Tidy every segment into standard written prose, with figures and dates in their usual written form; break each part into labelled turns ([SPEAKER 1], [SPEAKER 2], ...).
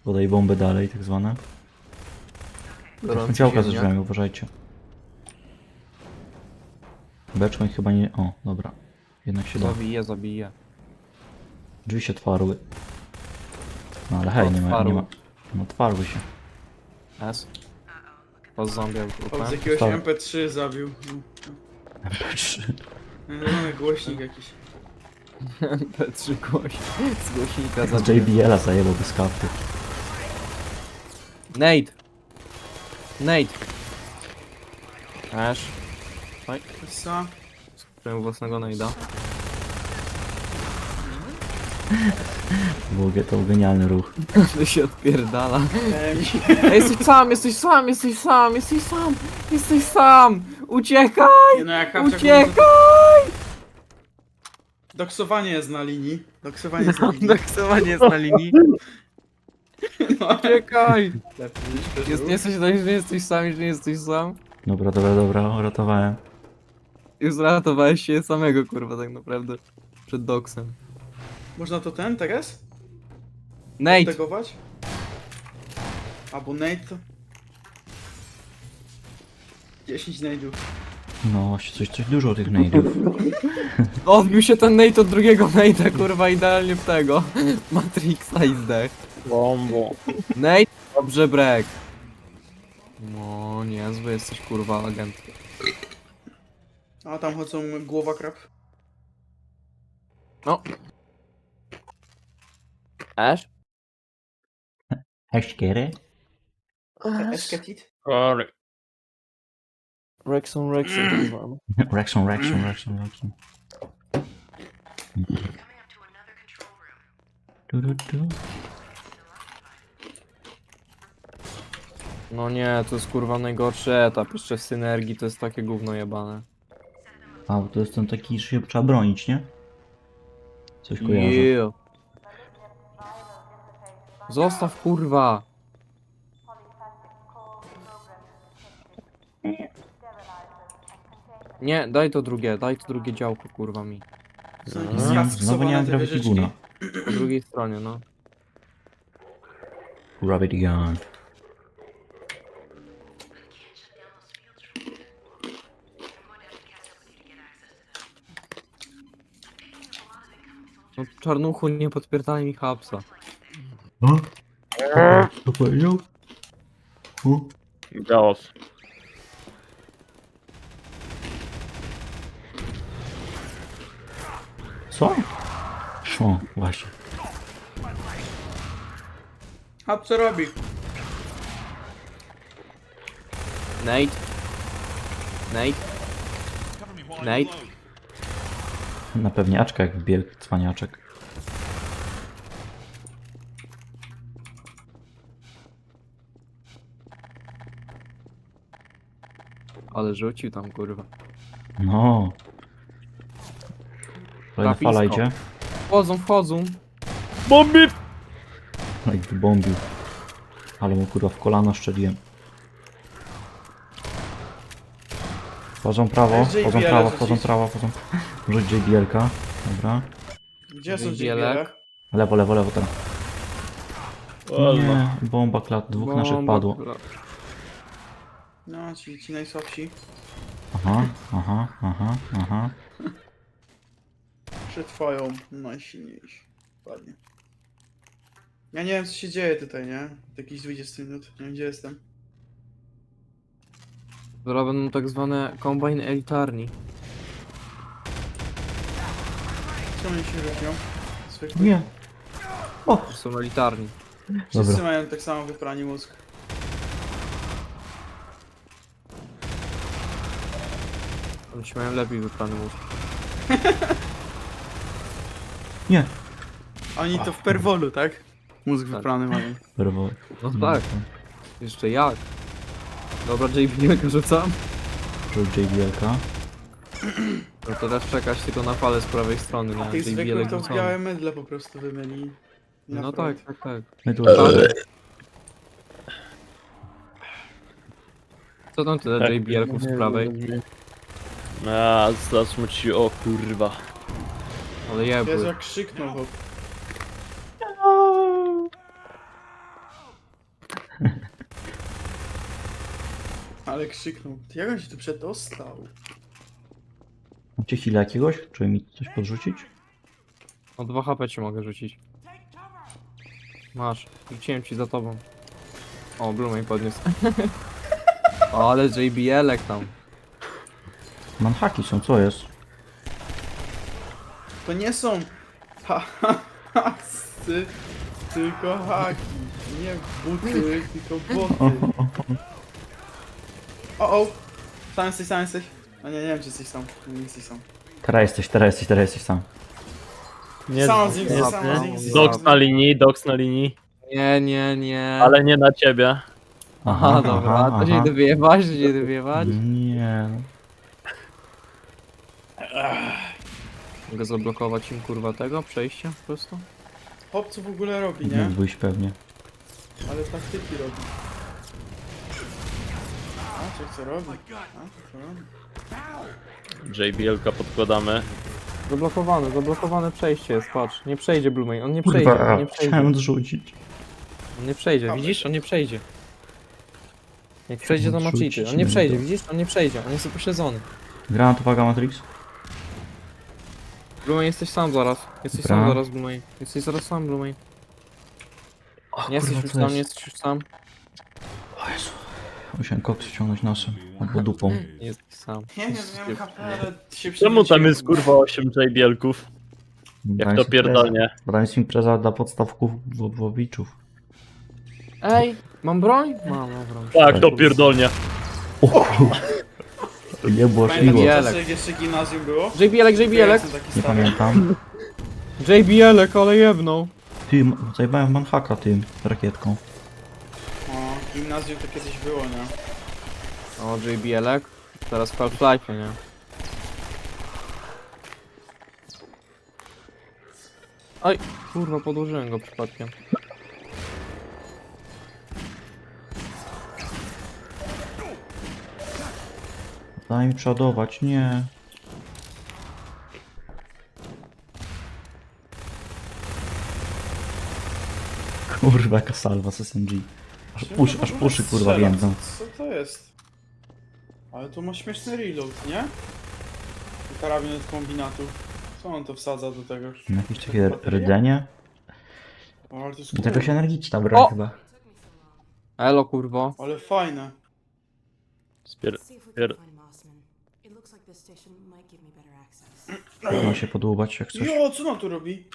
[SPEAKER 1] Podaj bomby dalej, tak zwane.
[SPEAKER 2] Gorący
[SPEAKER 1] Działka ze
[SPEAKER 2] ziemniak.
[SPEAKER 1] drzwiami, uważajcie. Beczką ich chyba nie... O, dobra. Jednak się da.
[SPEAKER 2] Zabiję.
[SPEAKER 1] Drzwi się otwarły. No ale hej, nie ma...
[SPEAKER 2] Otwarły.
[SPEAKER 1] No otwarły się.
[SPEAKER 2] S. Po zombie
[SPEAKER 3] O, z
[SPEAKER 2] trupem.
[SPEAKER 3] jakiegoś
[SPEAKER 1] Stary.
[SPEAKER 3] MP3 zabił. No, głośnik jakiś.
[SPEAKER 2] P3 z głośnika
[SPEAKER 1] Z
[SPEAKER 2] zabiję.
[SPEAKER 1] JBL-a zajebał bez kapty.
[SPEAKER 2] Nate! Ash. Oj,
[SPEAKER 3] Co?
[SPEAKER 2] skupiłem własnego nade'a.
[SPEAKER 1] To był genialny ruch.
[SPEAKER 2] To się odpierdala.
[SPEAKER 3] Ej,
[SPEAKER 2] Ej, jesteś sam! Uciekaj!
[SPEAKER 3] nie no, jak kapcia
[SPEAKER 2] Uciekaj!
[SPEAKER 3] doksowanie jest na linii. Doksowanie jest na linii.
[SPEAKER 2] Doksowanie jest na linii.
[SPEAKER 3] No,
[SPEAKER 2] Uciekaj!
[SPEAKER 3] jest,
[SPEAKER 2] Jesteś, że nie jesteś sam, że nie jesteś sam?
[SPEAKER 1] Dobra, uratowałem.
[SPEAKER 2] Już zratowałeś się samego, kurwa, tak naprawdę. Przed doksem.
[SPEAKER 3] Można to teraz?
[SPEAKER 2] Nate!
[SPEAKER 3] Tegować? Albo Nate to... 10 nade'ów.
[SPEAKER 1] No właśnie, coś dużo tych nade'ów.
[SPEAKER 2] Odbił się ten Nate od drugiego Nate'a, kurwa, idealnie w tego. Matrixa i zdech.
[SPEAKER 4] Bombo.
[SPEAKER 2] Nate? Dobrze, break. No, niezły jesteś, kurwa, agent.
[SPEAKER 3] A tam chodzą głowa krab.
[SPEAKER 2] No. Ash?
[SPEAKER 1] Heszkiery?
[SPEAKER 3] Esketit?
[SPEAKER 4] Sorry.
[SPEAKER 2] Rexon, kurwa.
[SPEAKER 1] Rexon. Du.
[SPEAKER 2] No nie, to jest kurwa najgorszy etap. Jeszcze w synergii to jest takie gówno jebane.
[SPEAKER 1] A, bo to jest ten taki, że się trzeba bronić, nie? Coś kojarzę.
[SPEAKER 2] Yeah. Zostaw, kurwa. Nie, daj to drugie działko, kurwa mi.
[SPEAKER 3] Są
[SPEAKER 1] No,
[SPEAKER 3] jakieś
[SPEAKER 1] znowu nie
[SPEAKER 3] skafiksowane
[SPEAKER 1] mam
[SPEAKER 3] te
[SPEAKER 1] Gravity
[SPEAKER 3] wieżyczki.
[SPEAKER 1] Guna.
[SPEAKER 2] Po drugiej stronie, no.
[SPEAKER 1] Gravity Gun.
[SPEAKER 2] No czarnuchu, nie podpierdalaj mi hapsa.
[SPEAKER 1] O? Co powiedział? O?
[SPEAKER 4] Chaos.
[SPEAKER 1] Co? O, właśnie.
[SPEAKER 3] A co robi?
[SPEAKER 2] Nate?
[SPEAKER 1] Na pewniaczka jak wielki cwaniaczek.
[SPEAKER 2] Ale rzucił tam, kurwa.
[SPEAKER 1] No. Kolejna
[SPEAKER 2] Trafisko.
[SPEAKER 1] fala idzie.
[SPEAKER 2] Wchodzą.
[SPEAKER 4] Bomby!
[SPEAKER 1] No i wybombił. Ale mu kurwa w kolano szczeliłem. Wchodzą prawo,
[SPEAKER 3] JBL
[SPEAKER 1] wchodzą prawo,
[SPEAKER 3] rzucić.
[SPEAKER 1] wchodzą prawo, wchodzą. Rzuć JBL-ka. Dobra.
[SPEAKER 3] Gdzie są
[SPEAKER 2] Wybielek.
[SPEAKER 3] JBL?
[SPEAKER 1] Lewo teraz.
[SPEAKER 4] Alma.
[SPEAKER 1] Nie, bomba klat, dwóch naszych padło.
[SPEAKER 3] No, ci najsłabsi.
[SPEAKER 1] Aha.
[SPEAKER 3] Przetrwają najsilniejsi. Ładnie. Ja nie wiem co się dzieje tutaj, nie? Jakieś 20 minut. Nie wiem gdzie jestem.
[SPEAKER 2] Zaraz będą tak zwane combine elitarni.
[SPEAKER 3] Czemu oni się różnią? Zwykle.
[SPEAKER 1] Nie.
[SPEAKER 2] To są elitarni.
[SPEAKER 3] Wszyscy
[SPEAKER 1] Dobra.
[SPEAKER 3] mają tak samo wyprani mózg.
[SPEAKER 2] Oni się mają lepiej wyprany mózg.
[SPEAKER 1] Nie.
[SPEAKER 3] Oni to w perwolu, tak? Mózg
[SPEAKER 2] Tak.
[SPEAKER 3] wyprany mają.
[SPEAKER 1] Brawo.
[SPEAKER 2] No tak. Jeszcze jak? Dobra, JB rzucam.
[SPEAKER 1] Rzuć JBL-ka.
[SPEAKER 2] No to teraz czekać tylko na falę z prawej strony.
[SPEAKER 3] A
[SPEAKER 2] Na
[SPEAKER 3] tych zwykłych
[SPEAKER 2] JBL
[SPEAKER 3] to w
[SPEAKER 2] rzucony.
[SPEAKER 3] białe mydle po prostu wymieli. na
[SPEAKER 2] No
[SPEAKER 3] front.
[SPEAKER 2] tak.
[SPEAKER 1] My tu
[SPEAKER 2] Co tam tyle JBL-ków z prawej?
[SPEAKER 4] A, zasmuci, o kurwa.
[SPEAKER 2] Ale
[SPEAKER 3] Jezu
[SPEAKER 2] jebły.
[SPEAKER 3] jak krzyknął chłop. Ale krzyknął. Ty, jak on się tu przedostał?
[SPEAKER 1] Macie chwilę jakiegoś? Czy mi coś podrzucić?
[SPEAKER 2] O 2 HP ci mogę rzucić. Masz, rzuciłem ci za tobą. O, Blumej podniósł. O, ale JBL-ek tam.
[SPEAKER 1] Manhaki są, co jest?
[SPEAKER 3] To nie są hasy, tylko haki. Nie buty, tylko boty. O! Sam jesteś. No nie wiem czy jesteś sam. Nie jesteś sam.
[SPEAKER 1] Teraz jesteś sam.
[SPEAKER 4] Nie,
[SPEAKER 3] Sam z nim,
[SPEAKER 4] nie,
[SPEAKER 3] sam
[SPEAKER 4] nie.
[SPEAKER 3] z nim.
[SPEAKER 4] Doks na linii,
[SPEAKER 2] Nie.
[SPEAKER 4] ale nie na ciebie.
[SPEAKER 2] Aha, dobra, to się idę wyjebać,
[SPEAKER 1] Nie.
[SPEAKER 2] Mogę zablokować im kurwa tego przejścia po prostu?
[SPEAKER 3] Hop co w ogóle robi, nie?
[SPEAKER 1] Mógłbyś pewnie.
[SPEAKER 3] Ale taktyki robi. A, co robi? A, co robi?
[SPEAKER 4] JBL-ka podkładamy.
[SPEAKER 2] Zablokowane przejście jest, patrz. Nie przejdzie Blumej, on nie przejdzie,
[SPEAKER 1] Kurwa,
[SPEAKER 2] on nie przejdzie.
[SPEAKER 1] chciałem zrzucić.
[SPEAKER 2] On nie przejdzie, widzisz? On nie przejdzie. Jak przejdzie to ma
[SPEAKER 1] Rzucić
[SPEAKER 2] cheaty. On nie
[SPEAKER 1] nie
[SPEAKER 2] przejdzie,
[SPEAKER 1] da.
[SPEAKER 2] widzisz? On nie przejdzie, on jest upośledzony.
[SPEAKER 1] Granat, uwaga, Matrix.
[SPEAKER 2] Blumej, jesteś sam zaraz. Jesteś
[SPEAKER 1] Dobra.
[SPEAKER 2] sam zaraz, Blumej. Jesteś zaraz sam, Blumej.
[SPEAKER 1] O,
[SPEAKER 2] Nie jesteś
[SPEAKER 1] kurwa,
[SPEAKER 2] już
[SPEAKER 1] co
[SPEAKER 2] sam,
[SPEAKER 1] jest?
[SPEAKER 2] nie jesteś już sam.
[SPEAKER 1] O Jezu. Musiałem koks ściągnąć nosem. Albo dupą.
[SPEAKER 2] Nie jesteś sam.
[SPEAKER 3] Nie wiem, miałem HP, ale się
[SPEAKER 4] Czemu tam
[SPEAKER 3] przewróciłem.
[SPEAKER 4] jest kurwa 8 JBL-ków? Jak to pierdolnie.
[SPEAKER 1] Tam jest impreza dla podstawków Włowiczów.
[SPEAKER 2] Ej, mam broń? Mam broń.
[SPEAKER 4] Tak, to pierdolnie.
[SPEAKER 1] O kurwa. Nie było
[SPEAKER 3] Pamiętam
[SPEAKER 1] śmigło.
[SPEAKER 2] Jelek.
[SPEAKER 3] czasy, jak jeszcze gimnazjum było?
[SPEAKER 2] JBL-ek,
[SPEAKER 3] Ja
[SPEAKER 2] JBL-ek.
[SPEAKER 3] jestem taki
[SPEAKER 1] Nie
[SPEAKER 3] stary.
[SPEAKER 1] pamiętam.
[SPEAKER 2] JBL-ek, ale jebnął.
[SPEAKER 1] Ty, zajebałem manhaka tym rakietką.
[SPEAKER 3] O, gimnazjum to kiedyś było, nie?
[SPEAKER 2] O, JBL-ek. Teraz w Half-Life, nie? Oj, kurwa, podłożyłem go przypadkiem.
[SPEAKER 1] Daj mi przodować, nie. Kurwa, jaka salwa z SMG. Aż uszy kurwa
[SPEAKER 3] Strzela.
[SPEAKER 1] więdzą.
[SPEAKER 3] Co to jest? Ale to ma śmieszny reload, nie? I karabin od kombinatu. Co on to wsadza do tego?
[SPEAKER 1] Jakieś takie rdzenie.
[SPEAKER 3] O, ale to jest
[SPEAKER 1] Do tego
[SPEAKER 3] cool.
[SPEAKER 1] się energiczna broń
[SPEAKER 2] O!
[SPEAKER 1] chyba.
[SPEAKER 2] Elo, kurwo.
[SPEAKER 3] Ale fajne.
[SPEAKER 4] Spier...
[SPEAKER 5] See if we
[SPEAKER 4] pier...
[SPEAKER 5] can find Mossman. It looks like this station might give me better access.
[SPEAKER 1] Można się podłubać jak coś.
[SPEAKER 3] Jo, co on tu robi?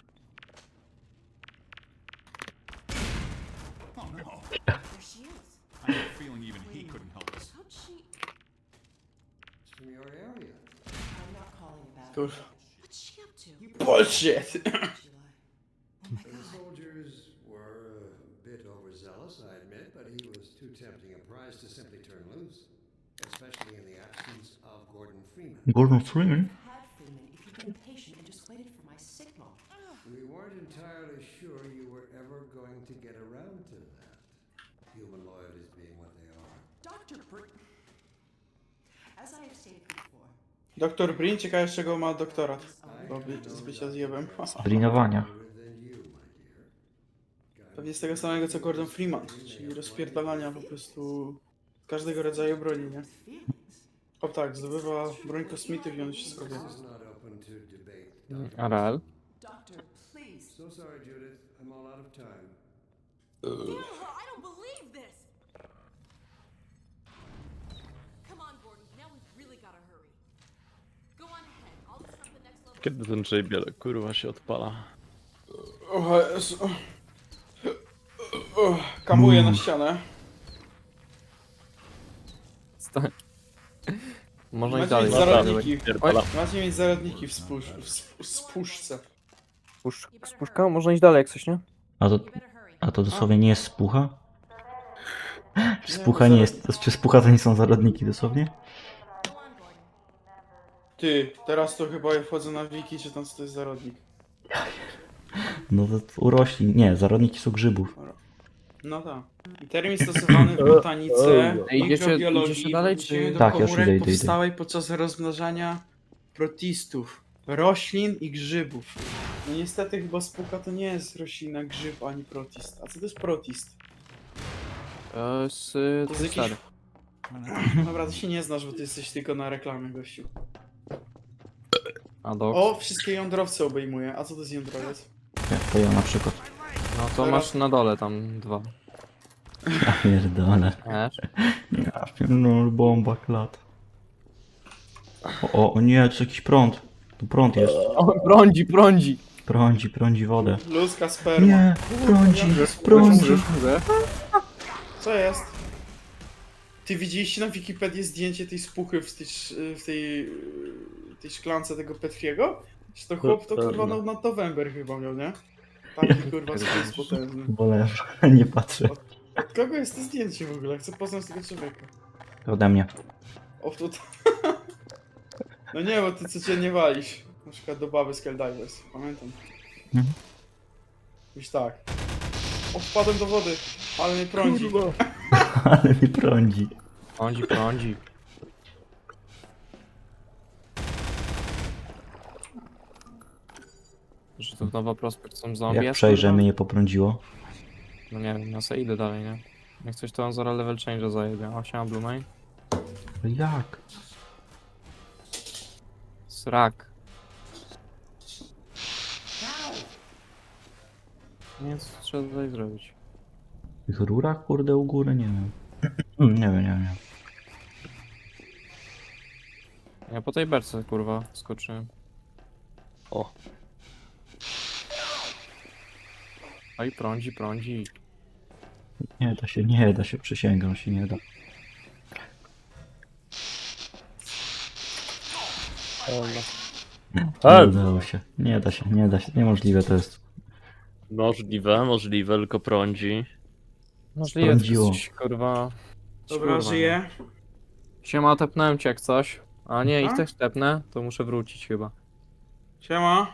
[SPEAKER 5] There she is.
[SPEAKER 6] I have a feeling even he couldn't help us.
[SPEAKER 5] How'd she?
[SPEAKER 7] From your area.
[SPEAKER 5] I'm not calling about
[SPEAKER 3] Kurwa.
[SPEAKER 5] it. What's she up to?
[SPEAKER 3] Bullshit!
[SPEAKER 5] Did she lie? Oh my
[SPEAKER 7] The
[SPEAKER 5] god.
[SPEAKER 7] soldiers were a bit overzealous, I admit, but he was too tempting a prize to simply turn loose, especially in the absence of Gordon Freeman.
[SPEAKER 1] Gordon Freeman?
[SPEAKER 5] Had Freeman if you'd been patient and just waited for my signal.
[SPEAKER 7] We weren't entirely sure you were ever going to get around to that. Human loyalties being what they are.
[SPEAKER 5] Dr. As I have stated before,
[SPEAKER 3] Doktor Brin, ciekawe z czego ma doktorat. Bo z bycia zjebem.
[SPEAKER 1] Drinowania.
[SPEAKER 7] Than you, my dear.
[SPEAKER 3] Pewnie z tego samego co Gordon Freeman, czyli rozpierdalania po prostu każdego rodzaju broni, nie? O tak, zdobywa broń kosmitów i on wszystko wie.
[SPEAKER 7] This is not open to debate.
[SPEAKER 2] Arel.
[SPEAKER 5] Doctor, please.
[SPEAKER 7] So sorry, Judith. I'm all out of time.
[SPEAKER 5] I don't believe this! Come on, Gordon. Now we've really gotta hurry. Go on ahead. I'll disrupt the next level.
[SPEAKER 4] Kiedy ten JBL kurwa się odpala?
[SPEAKER 3] O Jezu. Kamuje na ścianę.
[SPEAKER 2] Stań. Można i
[SPEAKER 3] Macie
[SPEAKER 2] dalej.
[SPEAKER 3] mieć
[SPEAKER 4] Dobra.
[SPEAKER 3] zarodniki.
[SPEAKER 4] Pierdala.
[SPEAKER 3] Macie mieć zarodniki w spuszce.
[SPEAKER 2] Spuszka? Można iść dalej jak coś, nie?
[SPEAKER 1] A to,
[SPEAKER 5] You better hurry.
[SPEAKER 1] a to dosłownie nie jest spucha? Czy spucha nie jest. Czy spucha to nie są zarodniki dosłownie?
[SPEAKER 5] Go on, Gordon.
[SPEAKER 3] Ty, teraz to chyba ja wchodzę na wiki, czy tam co to jest zarodnik.
[SPEAKER 1] No to u roślin. Nie, zarodniki są grzybów.
[SPEAKER 3] No tak. Termin stosowany w botanice,
[SPEAKER 2] Ej, idziecie
[SPEAKER 3] mikrobiologii,
[SPEAKER 2] dalej,
[SPEAKER 3] odniesieniu
[SPEAKER 2] czy-
[SPEAKER 3] do
[SPEAKER 1] Tak, już
[SPEAKER 3] komórek
[SPEAKER 1] idę.
[SPEAKER 3] powstałej podczas rozmnażania protistów, roślin i grzybów. No niestety chyba spuka to nie jest roślina, grzyb ani protist. A co to jest protist?
[SPEAKER 2] Z
[SPEAKER 3] To jest jakiś...
[SPEAKER 2] stary.
[SPEAKER 3] Dobra, ty się nie znasz, bo ty jesteś tylko na reklamie, gościu.
[SPEAKER 2] A dok.
[SPEAKER 3] O, wszystkie jądrowce obejmuje. A co to jest jądrowiec?
[SPEAKER 1] To ja na przykład.
[SPEAKER 2] No to masz na dole tam 2.
[SPEAKER 1] Ja pierdolę.
[SPEAKER 2] Wiesz?
[SPEAKER 1] Ja pierdolę, bomba klat. O nie, to jest jakiś prąd. Tu prąd jest.
[SPEAKER 2] O, prądzi.
[SPEAKER 1] Prądzi wodę.
[SPEAKER 3] Ludzka sperma.
[SPEAKER 1] Nie, prądzi.
[SPEAKER 2] Mówię.
[SPEAKER 3] Co jest? Ty widzieliście na Wikipedii zdjęcie tej spuchy w tej szklance tego Petriego? Czy to chłop to kurwa na November chyba miał, nie? Taki kurwa spis potężny.
[SPEAKER 1] Wolę, nie patrzę.
[SPEAKER 3] Od kogo jest to zdjęcie w ogóle? Chcę poznać tego człowieka.
[SPEAKER 1] To ode mnie.
[SPEAKER 3] O tutaj. No nie, bo ty codziennie walisz. Na przykład do baby z Helldivers. Pamiętam.
[SPEAKER 1] Mhm.
[SPEAKER 3] Już tak. O, wpadłem do wody, ale mnie prądzi.
[SPEAKER 1] Ale mnie prądzi.
[SPEAKER 2] Prądzi. Że to nowa prospekt są zombie.
[SPEAKER 1] Jak przejrzę, mnie nie poprądziło.
[SPEAKER 2] No nie wiem, ja sobie idę dalej, nie? Jak coś to on zaraz level change zajebie. O, siema Blue Main.
[SPEAKER 1] Ale jak?
[SPEAKER 2] Srak. Nie wiem, co trzeba tutaj zrobić.
[SPEAKER 1] W tych rurach, kurde, u góry? Nie wiem. Nie wiem.
[SPEAKER 2] Ja po tej berce, kurwa, skoczyłem.
[SPEAKER 4] O.
[SPEAKER 2] Oj, prądzi.
[SPEAKER 1] Nie da się, przysięgam, się nie da. Nie udało się. Nie da się, niemożliwe to jest.
[SPEAKER 4] Możliwe, tylko prądzi.
[SPEAKER 2] Możliwe,
[SPEAKER 1] Prądziło.
[SPEAKER 2] coś, kurwa...
[SPEAKER 3] Dobra,
[SPEAKER 2] kurwa,
[SPEAKER 3] żyję.
[SPEAKER 2] no. Siema, tepnąłem cię jak coś. A nie, ich
[SPEAKER 3] A?
[SPEAKER 2] też tepnę, to muszę wrócić chyba.
[SPEAKER 3] Siema.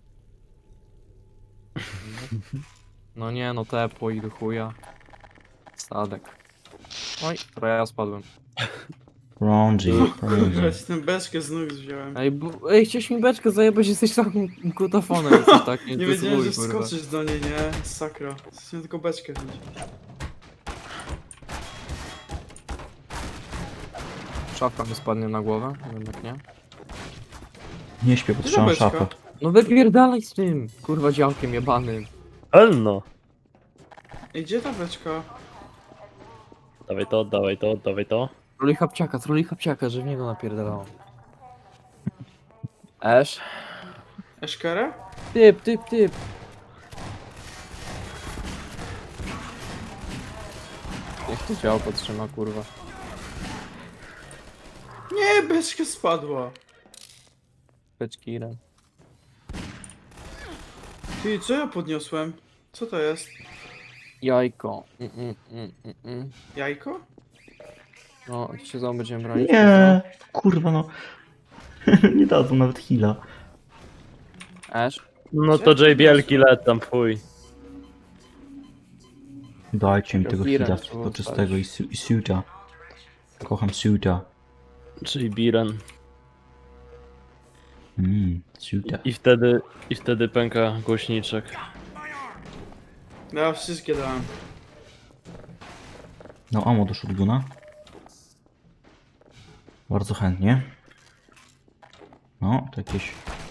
[SPEAKER 2] No nie, no tepło i do chuja. Sadek. Oj, dobra, ja spadłem.
[SPEAKER 1] Prądzi.
[SPEAKER 3] Kurwa, ci tę beczkę z nóg wziąłem.
[SPEAKER 2] Ej, chciałeś mi beczkę zajebać, jesteś takim kutafonem, coś tak,
[SPEAKER 3] Nie wiedziałem, że wskoczysz do niej, nie? Sakra. Chciałem tylko beczkę wziąć.
[SPEAKER 2] Szafka mi spadnie na głowę, jednak nie.
[SPEAKER 1] Nie śpię, bo
[SPEAKER 3] Gdzie
[SPEAKER 1] trzymam
[SPEAKER 3] ta beczka?
[SPEAKER 1] szafę.
[SPEAKER 2] No wypierdalaj z tym, kurwa działkiem jebanym.
[SPEAKER 4] Elno!
[SPEAKER 3] Ej, gdzie ta beczka?
[SPEAKER 4] Dawaj to.
[SPEAKER 2] Troli chapciaka, że w niego napierdalało. Esz?
[SPEAKER 3] Eszkerę?
[SPEAKER 2] Typ. Niech to działko trzyma, kurwa.
[SPEAKER 3] Nie, beczka spadła.
[SPEAKER 2] Beczki Iren.
[SPEAKER 3] Ty, co ja podniosłem? Co to jest?
[SPEAKER 2] Jajko.
[SPEAKER 3] Jajko?
[SPEAKER 2] No, się znowu będziemy bronić.
[SPEAKER 1] Nie, kurwa no. Nie dadzą nawet heala.
[SPEAKER 2] Esz?
[SPEAKER 4] No to JBL-ki lecą, fuj.
[SPEAKER 1] Dajcie mi tego
[SPEAKER 2] Kira,
[SPEAKER 1] heala
[SPEAKER 2] trzeba
[SPEAKER 1] poczystego i suita. Kocham suita.
[SPEAKER 4] JB-Ren.
[SPEAKER 1] Suita.
[SPEAKER 4] I wtedy pęka głośniczek.
[SPEAKER 3] Ja wszystkie dałem.
[SPEAKER 1] No, amo do shotguna. Bardzo chętnie. No, to jakieś...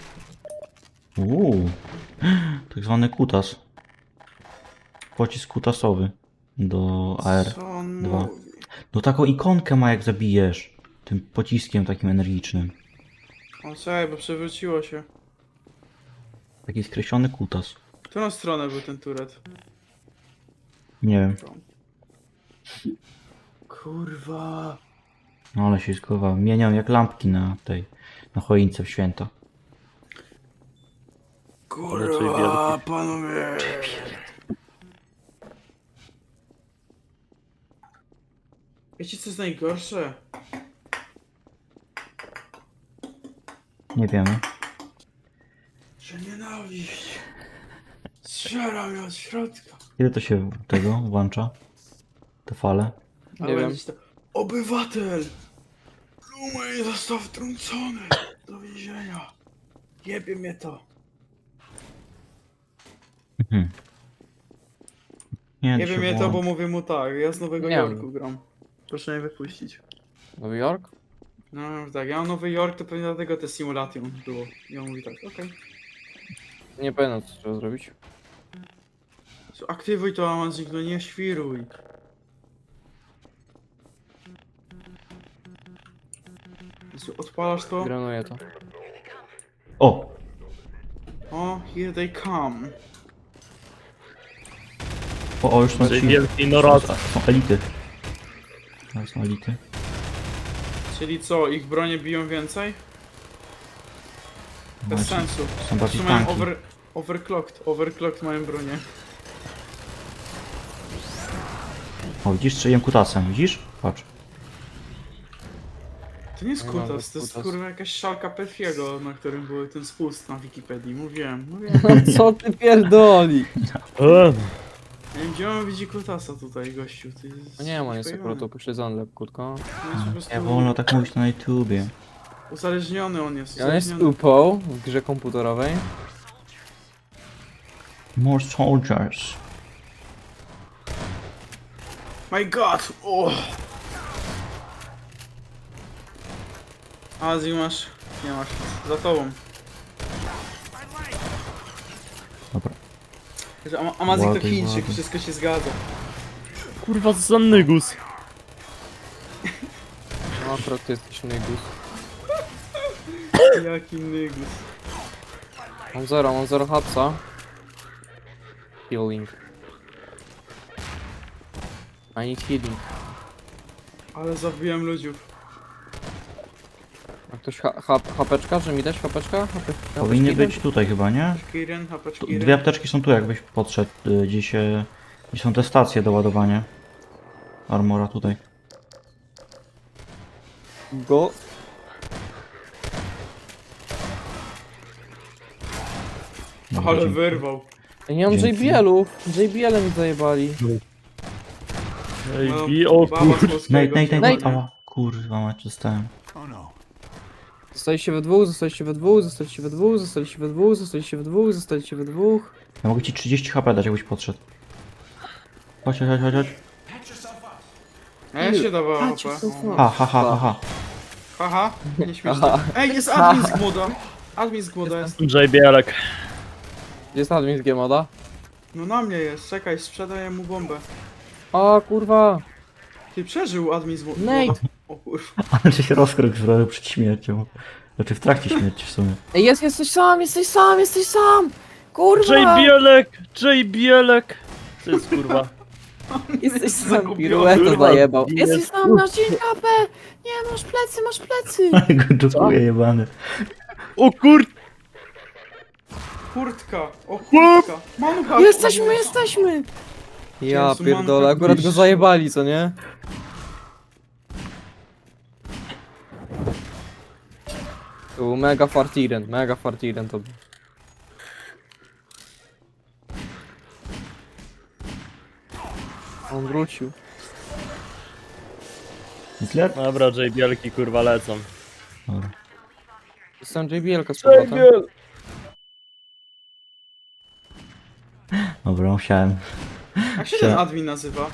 [SPEAKER 1] Tak zwany kutas. Pocisk kutasowy. Do AR.
[SPEAKER 3] Co on
[SPEAKER 1] Dwa.
[SPEAKER 3] mówi?
[SPEAKER 1] No taką ikonkę ma jak zabijesz. Tym pociskiem takim energicznym.
[SPEAKER 3] O, czekaj, bo przewróciło się.
[SPEAKER 1] Taki skreślony kutas.
[SPEAKER 3] W którą stronę był ten turet?
[SPEAKER 1] Nie wiem.
[SPEAKER 3] Kurwa.
[SPEAKER 1] No ale się skowa. Mieniam jak lampki na tej... Na choince w święta.
[SPEAKER 3] Kurwa, panowie. Wiecie co jest najgorsze?
[SPEAKER 1] Nie wiemy.
[SPEAKER 3] Że nienawiść. Strzela mnie od środka.
[SPEAKER 1] Ile to się tego włącza? Te fale?
[SPEAKER 3] A
[SPEAKER 2] Nie wiem.
[SPEAKER 3] będzie to... Obywatel! Lumej został wtrącony do więzienia. Jebie mnie to.
[SPEAKER 1] Nie Nie,
[SPEAKER 3] Nie
[SPEAKER 1] się
[SPEAKER 3] wiem je to,
[SPEAKER 1] wołam.
[SPEAKER 3] bo mówię mu tak, ja z Nowego
[SPEAKER 2] Nie
[SPEAKER 3] Jorku
[SPEAKER 2] wiem.
[SPEAKER 3] gram. Proszę mnie wypuścić.
[SPEAKER 2] Nowy Jork?
[SPEAKER 3] No tak, ja mam Nowy Jork, to pewnie dlatego te simulation było. I on mówi tak, okej.
[SPEAKER 2] Nie pamiętam co trzeba zrobić.
[SPEAKER 3] Aktywuj to Amazing, no nie świruj. Jezu, odpalasz to?
[SPEAKER 2] Granuję to.
[SPEAKER 1] O!
[SPEAKER 3] O, here they come.
[SPEAKER 1] O, już są ci...
[SPEAKER 4] Wielki Norad.
[SPEAKER 1] Są elity. To są elity.
[SPEAKER 3] Czyli co, ich bronie biją więcej? Bez
[SPEAKER 1] Właśnie,
[SPEAKER 3] sensu.
[SPEAKER 1] są bardziej
[SPEAKER 3] Czy mają
[SPEAKER 1] tanki.
[SPEAKER 3] overclocked mają bronię.
[SPEAKER 1] O, widzisz, strzeliłem kutasem, widzisz? Patrz.
[SPEAKER 3] To nie jest
[SPEAKER 2] Nie ma
[SPEAKER 3] kutas, to jest
[SPEAKER 2] kutas.
[SPEAKER 3] kurwa jakaś szalka Petfiego, na którym był ten spust na Wikipedii. Mówiłem.
[SPEAKER 2] Co ty pierdoli?
[SPEAKER 3] Ja wiem, gdzie on widzi kutasa tutaj, gościu. Ty
[SPEAKER 2] No nie ma, jest
[SPEAKER 3] pojebany.
[SPEAKER 2] akurat upośledzony lekutko.
[SPEAKER 3] On jest po prostu
[SPEAKER 1] Nie wolno tak mówić na YouTubie.
[SPEAKER 3] uzależniony on jest.
[SPEAKER 2] Ja jest
[SPEAKER 3] Uzależniony.
[SPEAKER 2] UPO w grze komputerowej.
[SPEAKER 1] More soldiers.
[SPEAKER 3] My god! Oh. Azji masz? Nie masz. Za tobą.
[SPEAKER 1] Dobra.
[SPEAKER 3] Amazik to
[SPEAKER 1] Ładuj,
[SPEAKER 3] Chińczyk,
[SPEAKER 1] ładuj.
[SPEAKER 3] wszystko się zgadza.
[SPEAKER 4] Kurwa, co za nygus.
[SPEAKER 2] No akurat ty jesteś nygus.
[SPEAKER 3] Jaki nygus.
[SPEAKER 2] Mam zero hapsa. Healing. I need healing.
[SPEAKER 3] Ale zabiłem ludziów.
[SPEAKER 2] A ktoś hapeczka? Czy mi dać hapeczka?
[SPEAKER 1] Powinny być tutaj chyba, nie?
[SPEAKER 3] Kiren, hapacz
[SPEAKER 1] Tu,
[SPEAKER 3] Kiren.
[SPEAKER 1] dwie apteczki są tu, jakbyś podszedł. Gdzie są te stacje do ładowania. Armora tutaj.
[SPEAKER 2] Go.
[SPEAKER 1] Dobra,
[SPEAKER 3] Ale
[SPEAKER 1] dzięki.
[SPEAKER 3] wyrwał.
[SPEAKER 2] Ja nie mam
[SPEAKER 1] Dzięki.
[SPEAKER 2] JBL-ów. JBL-em mi zajebali.
[SPEAKER 4] Ej, o
[SPEAKER 3] baba
[SPEAKER 4] kur...
[SPEAKER 3] z polskiego
[SPEAKER 1] Nate,
[SPEAKER 3] wzięła, nie?
[SPEAKER 1] ała. Kurwa, mać dostałem.
[SPEAKER 6] Oh no.
[SPEAKER 2] Zostaliście we dwóch, zostaliście we dwóch, zostaliście we dwóch, zostaliście we dwóch, zostaliście we dwóch, zostaliście we dwóch.
[SPEAKER 1] Ja mogę ci 30 HP dać, jakbyś podszedł. Chodź, chodź, chodź, chodź.
[SPEAKER 3] A ja się dawała
[SPEAKER 2] Patrz,
[SPEAKER 3] HP.
[SPEAKER 2] co to
[SPEAKER 3] O.
[SPEAKER 1] Ha, ha, ha, ha, ha.
[SPEAKER 3] Haha, nie śmieszne.
[SPEAKER 2] Aha.
[SPEAKER 3] Ej, jest admin z głoda. Admin z głoda jest.
[SPEAKER 4] JBL-ek.
[SPEAKER 2] Gdzie jest admin z G-moda?
[SPEAKER 3] No na mnie jest, czekaj, sprzedaję mu bombę.
[SPEAKER 2] O kurwa.
[SPEAKER 3] Ty przeżył admin z głoda.
[SPEAKER 2] Nate.
[SPEAKER 3] O kurwa.
[SPEAKER 1] Ale się rozkrok zrobił przed śmiercią. Znaczy w trakcie śmierci w sumie.
[SPEAKER 2] Ej, jesteś sam, jesteś sam, jesteś sam! Kurwa!
[SPEAKER 4] JBL-ek! JBL-ek! To jest kurwa.
[SPEAKER 2] Jesteś sam,
[SPEAKER 3] Zagubiony.
[SPEAKER 2] piruetę
[SPEAKER 4] Kurwa,
[SPEAKER 2] zajebał.
[SPEAKER 4] jest-
[SPEAKER 2] Jesteś sam, masz 9 HP! Nie, masz plecy, masz plecy!
[SPEAKER 1] Go dupuje jebany.
[SPEAKER 4] O kur...
[SPEAKER 3] Kurtka, o kurtka. Manucha.
[SPEAKER 2] Jesteśmy! Ja
[SPEAKER 3] Jezu,
[SPEAKER 2] pierdolę,
[SPEAKER 3] manka
[SPEAKER 2] akurat go
[SPEAKER 3] bliższy.
[SPEAKER 2] zajebali, co nie? To był mega fartiren to był. On wrócił.
[SPEAKER 1] Hitler?
[SPEAKER 4] Dobra, JBL-ki kurwa lecą.
[SPEAKER 1] Dobra.
[SPEAKER 2] Jestem JBL-ka z powrotem.
[SPEAKER 1] Dobra, musiałem.
[SPEAKER 3] Jak się ten admin nazywa?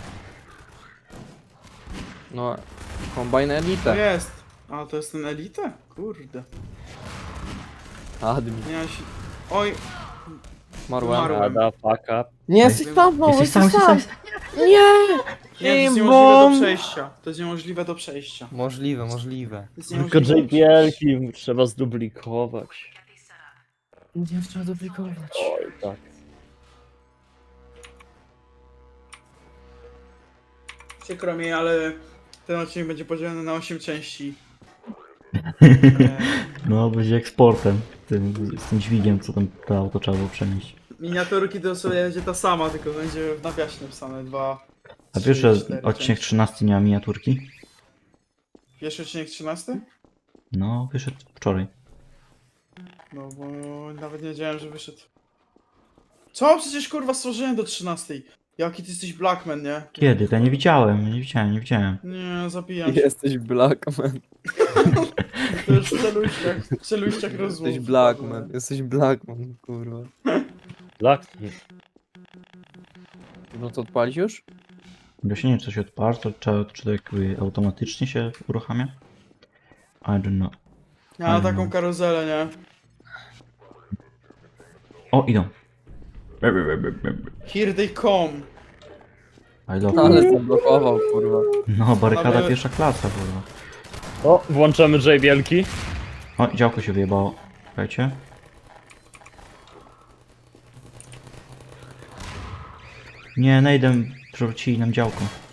[SPEAKER 2] No, Combine
[SPEAKER 3] To
[SPEAKER 2] Elite.
[SPEAKER 3] jest. A, to jest ten elite? Kurde.
[SPEAKER 2] Admin.
[SPEAKER 3] Nie, ja się... Oj,
[SPEAKER 2] Marłem.
[SPEAKER 3] Umarłem.
[SPEAKER 4] Ada, fuck up.
[SPEAKER 2] Nie, jesteś tam, no,
[SPEAKER 1] Jesteś sam,
[SPEAKER 2] jesteś
[SPEAKER 1] jesteś
[SPEAKER 2] sam!
[SPEAKER 1] sam.
[SPEAKER 2] Nie!
[SPEAKER 3] nie, to jest
[SPEAKER 2] Bim,
[SPEAKER 3] niemożliwe do
[SPEAKER 2] bom.
[SPEAKER 3] przejścia. To jest niemożliwe do przejścia.
[SPEAKER 2] Możliwe.
[SPEAKER 3] To jest
[SPEAKER 4] Tylko
[SPEAKER 3] niemożliwe do przejścia.
[SPEAKER 4] JBL-ki trzeba zduplikować.
[SPEAKER 2] Nie trzeba duplikować.
[SPEAKER 4] Oj, tak.
[SPEAKER 3] Przykro mi, ale ten odcinek będzie podzielony na 8 części.
[SPEAKER 1] No, będzie eksportem. Z tym dźwigiem, co tam to auto trzeba było przenieść.
[SPEAKER 3] Miniaturki to sobie będzie ta sama, tylko będzie w nawiasie napisane 2.
[SPEAKER 1] A wiesz, że odcinek 13 nie ma miniaturki?
[SPEAKER 3] Pierwszy odcinek 13?
[SPEAKER 1] No, wyszedł wczoraj.
[SPEAKER 3] No bo nawet nie wiedziałem, że wyszedł. Co? Przecież kurwa stworzyłem do 13. Jaki ty jesteś Blackman, nie?
[SPEAKER 1] Kiedy? To ja nie widziałem, nie widziałem.
[SPEAKER 3] Nie, zabijam się.
[SPEAKER 2] Jesteś Blackman.
[SPEAKER 3] To już w celujściach rozmów.
[SPEAKER 2] Jesteś Blackman, kurwa.
[SPEAKER 4] Black.
[SPEAKER 2] No to odpalić już?
[SPEAKER 1] Właśnie nie wiem, co się odpala, czy to jakby automatycznie się uruchamia? I don't know.
[SPEAKER 3] Ja mam taką karuzelę, nie?
[SPEAKER 1] O, idą.
[SPEAKER 3] Here they come.
[SPEAKER 1] I love
[SPEAKER 2] No, ale
[SPEAKER 1] you.
[SPEAKER 2] zablokował, kurwa.
[SPEAKER 1] No, barykada
[SPEAKER 3] Ale-
[SPEAKER 1] pierwsza klasa, kurwa.
[SPEAKER 4] O, włączamy J wielki.
[SPEAKER 1] O, działko się wyjebało. Słuchajcie. Nie, Nejdem przewrócili nam działko.